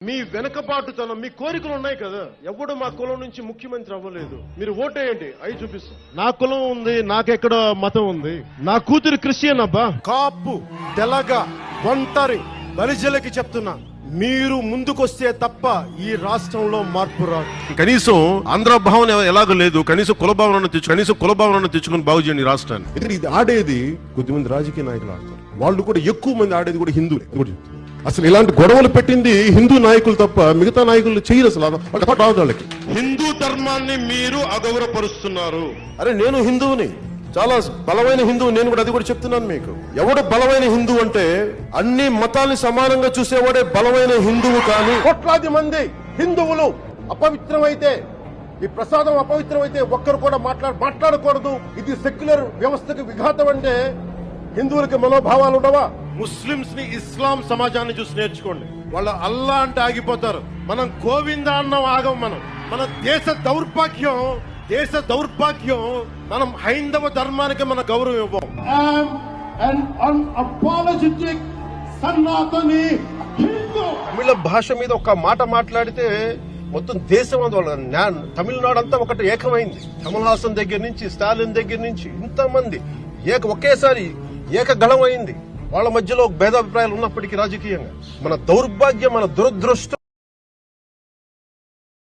మీ వెనకబాటుతనం, మీ కోరికలు ఉన్నాయి కదా. ఎవడు మా కులం నుంచి ముఖ్యమంత్రి అవ్వలేదు. మీరు ఓటేయండి, అవి చూపిస్తాం. నా కులం ఉంది, నాకెక్కడ మతం ఉంది. నా కూతురు క్రిస్టియన్ అబ్బా. కాపు, తెలగ, ఒంటరి బలిజలకి చెప్తున్నా, మీరు ముందుకొస్తే తప్ప ఈ రాష్ట్రంలో మార్పు రాదు. కనీసం ఆంధ్ర భావన ఎలాగో లేదు, కనీసం కులభావనను తెచ్చుకుని బాగు చేయండి రాష్ట్రాన్ని. ఇది ఆడేది కొద్దిమంది రాజకీయ నాయకులు ఆడతారు. వాళ్ళు కూడా ఎక్కువ మంది ఆడేది కూడా హిందువులే. అసలు ఇలాంటి గొడవలు పెట్టింది హిందూ నాయకులు తప్ప మిగతా నాయకులు చేయరు. అసలు వాళ్ళకి హిందూ ధర్మాన్ని మీరు అగౌరవపరుస్తున్నారు. అరే నేను హిందువుని, చాలా బలమైన హిందువు. నేను కూడా అది కూడా చెప్తున్నాను మీకు. ఎవడు బలమైన హిందువు అంటే అన్ని మతాల్ని సమానంగా చూసేవాడే బలమైన హిందువు. కానీ కోట్లాది మంది హిందువులు అపవిత్రమైతే, ఈ ప్రసాదం అపవిత్రమైతే ఒక్కరు కూడా మాట్లాడకూడదు. ఇది సెక్యులర్ వ్యవస్థకు విఘాతం అంటే హిందువులకి మనోభావాలు ఉండవా? ముస్లింస్ ని ఇస్లాం సమాజాన్ని చూసి నేర్చుకోండి. వాళ్ళు అల్లా అంటే ఆగిపోతారు. మనం గోవింద అన్నం ఆగం. మన దేశ దౌర్భాగ్యం మనం హైందవ ధర్మానికి మన గౌరవం ఇవ్వం. తమిళ భాష మీద ఒక మాట మాట్లాడితే మొత్తం దేశం అందువల్ల తమిళనాడు అంతా ఒకటి ఏకమైంది. కమల్ హాసన్ దగ్గర నుంచి, స్టాలిన్ దగ్గర నుంచి ఇంతమంది ఒకేసారి ఏకగళం అయింది. వాళ్ళ మధ్యలో భేదాభిప్రాయాలు ఉన్నప్పటికీ రాజకీయంగా మన దౌర్భాగ్యం, మన దురదృష్టం.